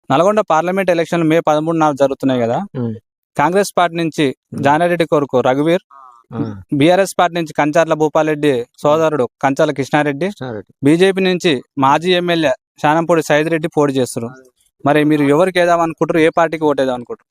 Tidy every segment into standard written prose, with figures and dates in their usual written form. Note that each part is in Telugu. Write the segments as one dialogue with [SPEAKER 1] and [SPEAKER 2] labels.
[SPEAKER 1] నల్గొండ పార్లమెంట్ ఎలక్షన్లు మే 13న జరుగుతున్నాయి కదా. కాంగ్రెస్ పార్టీ నుంచి జానారెడ్డి కొడుకు రఘువీర్, బీఆర్ఎస్ పార్టీ నుంచి కంచర్ల భూపాలరెడ్డి సోదరుడు కంచర్ల కృష్ణారెడ్డి, బీజేపీ నుంచి మాజీ ఎమ్మెల్యే శానంపూడి సైద్ రెడ్డి పోటీ చేస్తారు. మరి మీరు ఎవరికి వేద్దాం అనుకుంటారు? ఏ పార్టీకి ఓటేద్దాం అనుకుంటారు?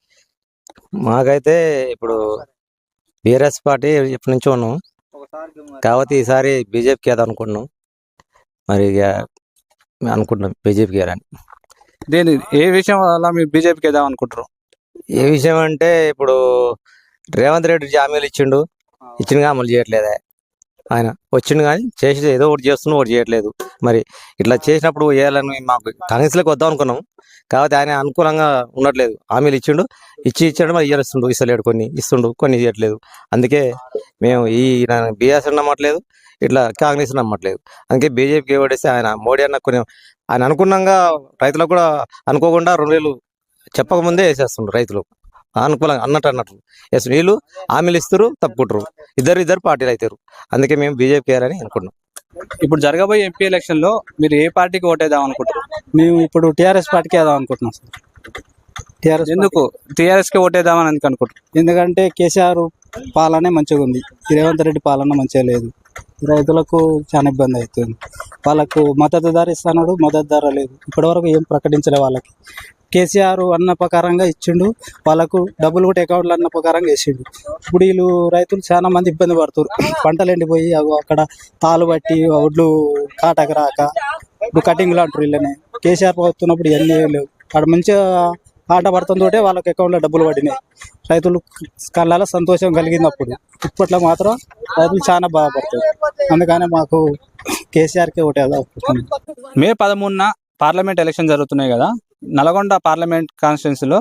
[SPEAKER 2] మాకైతే ఇప్పుడు బీఆర్ఎస్ పార్టీ ఎప్పటి నుంచో ఉన్నాం, కాబట్టి ఈసారి బీజేపీకి వేద్దాం అనుకుంటున్నాం. మరి ఇక అనుకుంటున్నాం బీజేపీకి వేయాలని.
[SPEAKER 1] దేని ఏ విషయం వల్ల మీరు బీజేపీకి వేద్దాం అనుకుంటారు?
[SPEAKER 2] ఏ విషయం అంటే ఇప్పుడు రేవంత్ రెడ్డి హామీలు ఇచ్చిండుగా అమలు చేయట్లేదే. ఆయన వచ్చిండు కానీ చేసి ఏదో ఒకటి చేస్తున్నా ఒకటి చేయట్లేదు. మరి ఇట్లా చేసినప్పుడు వేయాలని మాకు కాంగ్రెస్లోకి వద్దాం అనుకున్నాం, కాబట్టి ఆయన అనుకూలంగా ఉండట్లేదు. హామీలు ఇచ్చాడు మరి ఇస్తలేడు, కొన్ని ఇస్తుండు కొన్ని ఇవ్వట్లేదు. అందుకే మేము బీఆర్ఎస్ నమ్మట్లేదు, ఇట్లా కాంగ్రెస్ నమ్మట్లేదు. అందుకే బీజేపీకి ఓటేస్తే ఆయన మోడీ అన్న ఆయన అనుకున్నాగా రైతులకు కూడా అనుకోకుండా 2000 చెప్పకముందే వేసేస్తుండ్రు రైతులు అనుకూలంగా అన్నట్టు వీళ్ళు హామీలు ఇస్తారు, తప్పుకుంటారు. ఇద్దరు పార్టీలు అవుతారు. అందుకే మేము బీజేపీ వేయాలని అనుకుంటున్నాం.
[SPEAKER 1] ఇప్పుడు జరగబోయే ఎంపీ ఎలక్షన్ లో మీరు ఏ పార్టీకి ఓటేద్దాం అనుకుంటారు?
[SPEAKER 3] మేము ఇప్పుడు టీఆర్ఎస్ పార్టీకి వేద్దాం అనుకుంటున్నాం సార్. టీఆర్ఎస్
[SPEAKER 1] ఎందుకు టీఆర్ఎస్ కి ఓటేద్దామని ఎందుకు అనుకుంటారు?
[SPEAKER 3] ఎందుకంటే కేసీఆర్ పాలనే మంచిగా ఉంది, రేవంత్ రెడ్డి పాలన మంచిగా లేదు. రైతులకు చాలా ఇబ్బంది అవుతుంది. వాళ్ళకు మద్దతు ధర ఇస్తున్నాడు, మద్దతు ధర లేదు. ఇప్పటివరకు ఏం ప్రకటించలే వాళ్ళకి. కేసీఆర్ అన్న ప్రకారంగా ఇచ్చిండు, వాళ్ళకు డబ్బులు కూడా అకౌంట్లు అన్న ప్రకారంగా వేసిండు. ఇప్పుడు వీళ్ళు రైతులు చాలా మంది ఇబ్బంది పడుతారు. పంటలు ఎండిపోయి అక్కడ తాలు బట్టి ఒడ్లు కాటకు రాక ఇప్పుడు కటింగ్లు అంటారు. వీళ్ళని కేసీఆర్ పోతున్నప్పుడు ఇవన్నీ లేవు. అక్కడ మంచిగా ఆట పడుతుందోటే వాళ్ళకి అకౌంట్లో డబ్బులు పడినాయి. రైతులు కళ్ళలో సంతోషం కలిగినప్పుడు. ఇప్పట్లో మాత్రం రైతులు చాలా బాధపడతారు. అందుకని మాకు కేసీఆర్కే ఓటేద్దాం.
[SPEAKER 1] మే 13న పార్లమెంట్ ఎలక్షన్ జరుగుతున్నాయి కదా. నల్గొండ పార్లమెంట్ కాన్స్టిట్యున్సీలో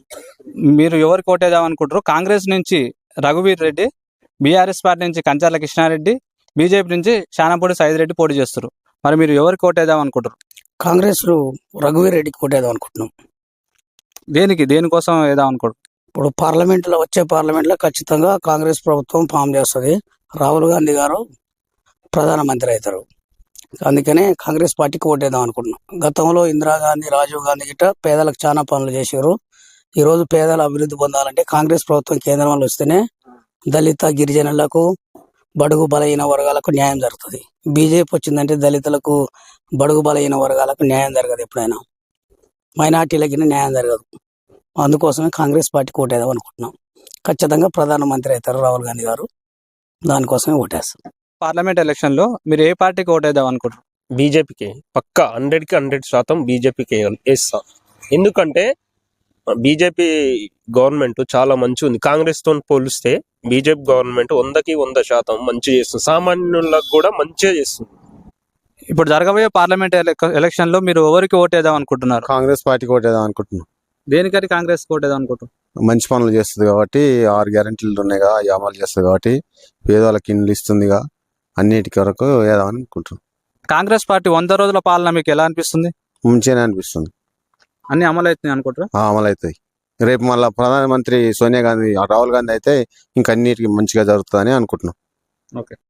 [SPEAKER 1] మీరు ఎవరికి ఓటేద్దాం అనుకుంటారు? కాంగ్రెస్ నుంచి రఘువీర్ రెడ్డి, బీఆర్ఎస్ పార్టీ నుంచి కంచర్ల కృష్ణారెడ్డి, బీజేపీ నుంచి శానంపూడి సైద్ రెడ్డి పోటీ చేస్తారు. మరి మీరు ఎవరికి ఓటేద్దాం అనుకుంటారు?
[SPEAKER 4] కాంగ్రెస్ రఘువీర్ రెడ్డికి ఓటేద్దాం అనుకుంటున్నాం.
[SPEAKER 1] దేనికోసం వేద్దాం అనుకుంటారు?
[SPEAKER 4] ఇప్పుడు వచ్చే పార్లమెంట్లో ఖచ్చితంగా కాంగ్రెస్ ప్రభుత్వం ఫామ్ చేస్తుంది. రాహుల్ గాంధీ గారు ప్రధానమంత్రి అవుతారు. అందుకనే కాంగ్రెస్ పార్టీకి ఓటేద్దాం అనుకుంటున్నాం. గతంలో ఇందిరాగాంధీ, రాజీవ్ గాంధీ గిట్ట పేదలకు చాలా పనులు చేశారు. ఈరోజు పేదల అభివృద్ధి పొందాలంటే కాంగ్రెస్ ప్రభుత్వం కేంద్రంలో వస్తేనే దళిత గిరిజనులకు, బడుగు బలహీన వర్గాలకు న్యాయం జరుగుతుంది. బీజేపీ వచ్చిందంటే దళితులకు, బడుగు బలహీన వర్గాలకు న్యాయం జరగదు. ఎప్పుడైనా మైనార్టీలకి న్యాయం జరగదు. అందుకోసమే కాంగ్రెస్ పార్టీకి ఓటేద్దాం అనుకుంటున్నాం. ఖచ్చితంగా ప్రధానమంత్రి అవుతారు రాహుల్ గాంధీ గారు. దానికోసమే ఓటేస్తాం.
[SPEAKER 1] పార్లమెంట్ ఎలక్షన్ లో మీరు ఏ పార్టీకి ఓటేద్దాం అనుకుంటారు?
[SPEAKER 5] బీజేపీకి పక్కా 100కి 100% బీజేపీకి వేస్తాం. ఎందుకంటే బీజేపీ గవర్నమెంట్ చాలా మంచి ఉంది. కాంగ్రెస్ తో పోలిస్తే బీజేపీ గవర్నమెంట్ 100కి 100% మంచి చేస్తుంది. సామాన్యులకు కూడా మంచిగా చేస్తుంది.
[SPEAKER 1] ఇప్పుడు జరగబోయే పార్లమెంట్ ఎలక్షన్ లో మీరు ఎవరికి ఓటేద్దాం అనుకుంటున్నారు?
[SPEAKER 6] కాంగ్రెస్ పార్టీకి ఓటేద్దాం అనుకుంటున్నాం.
[SPEAKER 1] దేనికని కాంగ్రెస్ ఓటేద్దాం అనుకుంటున్నాం?
[SPEAKER 6] మంచి పనులు చేస్తుంది కాబట్టి, 6 గ్యారెంటీలు ఉన్నాయిగా, అవి అమలు చేస్తుంది కాబట్టి, పేదవాళ్ళకి ఇండ్లు ఇస్తుందిగా, అన్నిటికి వరకు వేద్దామని అనుకుంటున్నాం.
[SPEAKER 1] కాంగ్రెస్ పార్టీ 100 రోజుల పాలన మీకు ఎలా అనిపిస్తుంది?
[SPEAKER 6] మంచిగానే అనిపిస్తుంది.
[SPEAKER 1] అన్ని అమలు అవుతున్నాయి అనుకుంటారా?
[SPEAKER 6] అమలు అవుతాయి. రేపు మళ్ళీ ప్రధానమంత్రి సోనియా గాంధీ, రాహుల్ గాంధీ అయితే ఇంకా అన్నిటికీ మంచిగా జరుగుతుందని అనుకుంటున్నాం.
[SPEAKER 1] ఓకే.